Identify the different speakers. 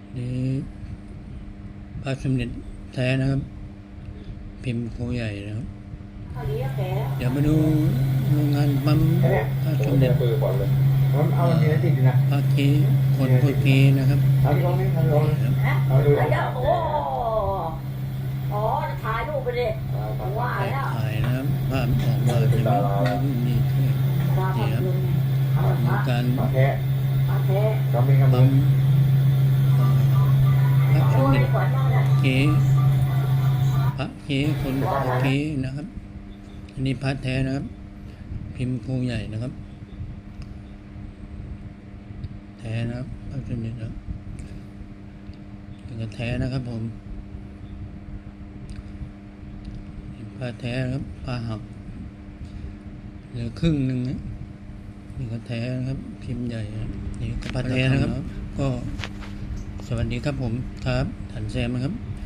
Speaker 1: นี่พระสมเด็จแท้นะครับ พิมพ์โคใหญ่นะครับ เดี๋ยวมาดูโรงงานปั๊มพระสมเด็จ
Speaker 2: เอาเนื้อติดอยู่นะ
Speaker 1: พระเกคนโคเกนะครับ
Speaker 2: เอาที่ลงนี่เอาที่ลง
Speaker 1: นี่ครับ
Speaker 2: เอาดู
Speaker 3: โอ้อ๋อถ่ายรูปไปดิว่าแล้ว
Speaker 1: ถ่ายนะครับภาพออกมาจะไม่ดีเท่าไหร่นี่ครับมีการ
Speaker 2: มาแท้
Speaker 3: มาแท้
Speaker 2: ก็มีกำลั
Speaker 1: ปั๊
Speaker 2: ง
Speaker 1: มพระสมเด็จเกพระเกคนโคเกนะครับ อันนี้พระแท้นะครับ พิมพ์โคใหญ่นะครับ แท้นะครับพระสมเด็จนะครับเป็นกระแท้นะครับผมพระแท้นะครับพระหักเหลือครึ่งหนึ่งนะนี่ก็แท้นะครับ พิมพ์ใหญ่นะนี่ก็พระแท้นะครับ ก็สวัสดีครับผมครับถันแซมนะครับ